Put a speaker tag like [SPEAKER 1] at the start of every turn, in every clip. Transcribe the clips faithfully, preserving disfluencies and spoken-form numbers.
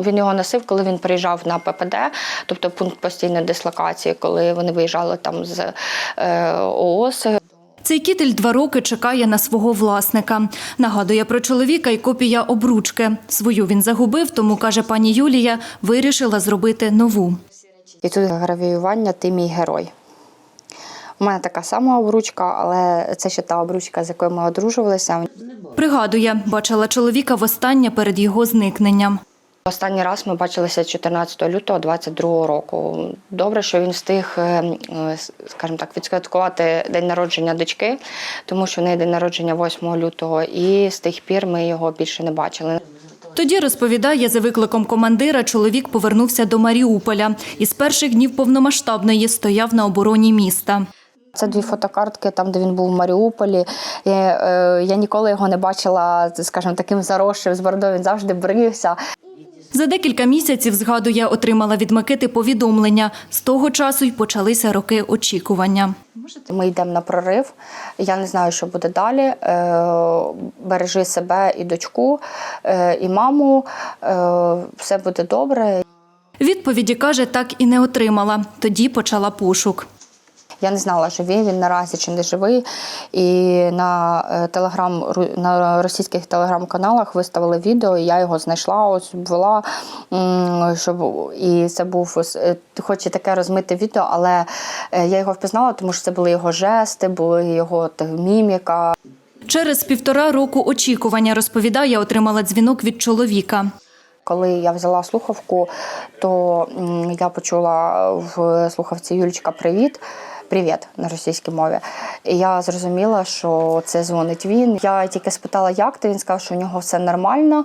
[SPEAKER 1] він його носив, коли він приїжджав на Пе Пе Де, тобто пункт постійної дислокації, коли вони виїжджали там з е, О О С.
[SPEAKER 2] Цей кітель два роки чекає на свого власника. Нагадує про чоловіка й копія обручки. Свою він загубив, тому, каже пані Юлія, вирішила зробити нову.
[SPEAKER 1] І тут гравіювання «Ти мій герой». У мене така сама обручка, але це ще та обручка, з якою ми одружувалися.
[SPEAKER 2] Пригадує, бачила чоловіка востаннє перед його зникненням.
[SPEAKER 1] Останній раз ми бачилися чотирнадцятого лютого двадцять другого року. Добре, що він встиг, скажімо так, відсвяткувати день народження дочки, тому що в неї день народження восьмого лютого, і з тих пір ми його більше не бачили.
[SPEAKER 2] Тоді, розповідає, за викликом командира чоловік повернувся до Маріуполя і з перших днів повномасштабної стояв на обороні міста.
[SPEAKER 1] Це дві фотокартки, там, де він був в Маріуполі. Я, е, я ніколи його не бачила, скажімо, таким заросшим, з бородою, він завжди брився.
[SPEAKER 2] За декілька місяців, згадує, отримала від Микити повідомлення. З того часу й почалися роки очікування.
[SPEAKER 1] Ми йдемо на прорив, я не знаю, що буде далі. Е, бережи себе і дочку, е, і маму, е, все буде добре.
[SPEAKER 2] Відповіді, каже, так і не отримала. Тоді почала пошук.
[SPEAKER 1] Я не знала, живий він наразі чи не живий. І на телеграм, на російських телеграм-каналах виставили відео, і я його знайшла, ось обвела, щоб і це був, хоч і таке розмите відео, але я його впізнала, тому що це були його жести, були його міміка.
[SPEAKER 2] Через півтора року очікування, розповідає, отримала дзвінок від чоловіка.
[SPEAKER 1] Коли я взяла слухавку, то я почула в слухавці «Юлічка, привіт». «Привіт» на російській мові. І я зрозуміла, що це дзвонить він. Я тільки спитала, як ти, він сказав, що у нього все нормально.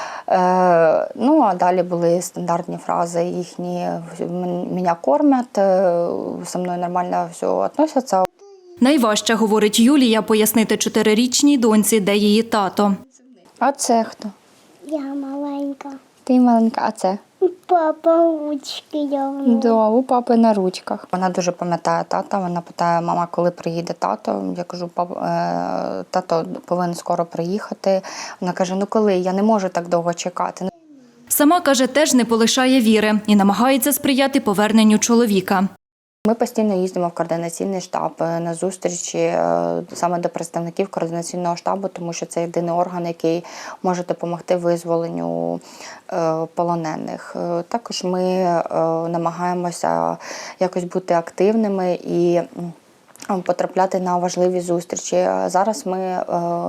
[SPEAKER 1] Е, ну, а далі були стандартні фрази їхні. «Мене кормять, зі мною нормально все відносяться».
[SPEAKER 2] Найважче, говорить Юлія, пояснити чотирирічній доньці, де її тато.
[SPEAKER 1] А це хто?
[SPEAKER 3] Я маленька.
[SPEAKER 1] Ти маленька, а це?
[SPEAKER 3] Папа ручки явно.
[SPEAKER 1] Да, у папи на ручках. Вона дуже пам'ятає тата, вона питає, мама, коли приїде тато? Я кажу, пап, е, тато повинен скоро приїхати. Вона каже, ну коли? Я не можу так довго чекати.
[SPEAKER 2] Сама, каже, теж не полишає віри і намагається сприяти поверненню чоловіка.
[SPEAKER 1] Ми постійно їздимо в координаційний штаб на зустрічі саме до представників координаційного штабу, тому що це єдиний орган, який може допомогти визволенню полонених. Також ми намагаємося якось бути активними і потрапляти на важливі зустрічі. Зараз ми,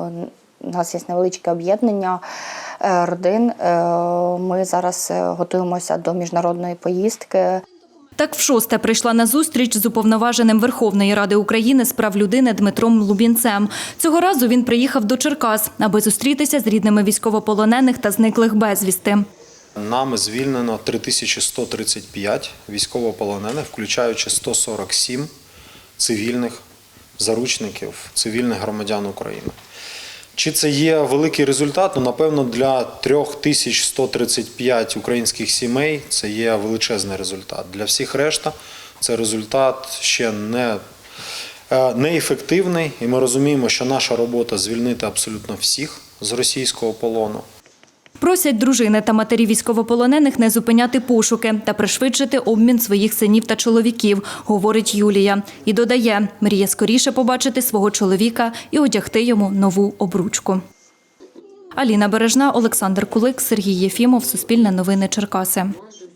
[SPEAKER 1] у нас є невеличке об'єднання родин, ми зараз готуємося до міжнародної поїздки.
[SPEAKER 2] Так вшосте прийшла на зустріч з уповноваженим Верховної Ради України з прав людини Дмитром Лубінцем. Цього разу він приїхав до Черкас, аби зустрітися з рідними військовополонених та зниклих безвісти.
[SPEAKER 4] Нами звільнено три тисячі сто тридцять п'ять військовополонених, включаючи сто сорок сім цивільних заручників, цивільних громадян України. Чи це є великий результат? Ну, напевно, для три тисячі сто тридцять п'ять українських сімей це є величезний результат. Для всіх решта це результат ще не, неефективний. І ми розуміємо, що наша робота – звільнити абсолютно всіх з російського полону.
[SPEAKER 2] Просять дружини та матері військовополонених не зупиняти пошуки та пришвидшити обмін своїх синів та чоловіків, говорить Юлія. І додає, мріє скоріше побачити свого чоловіка і одягти йому нову обручку. Аліна Бережна, Олександр Кулик, Сергій Єфімов, Суспільне новини, Черкаси.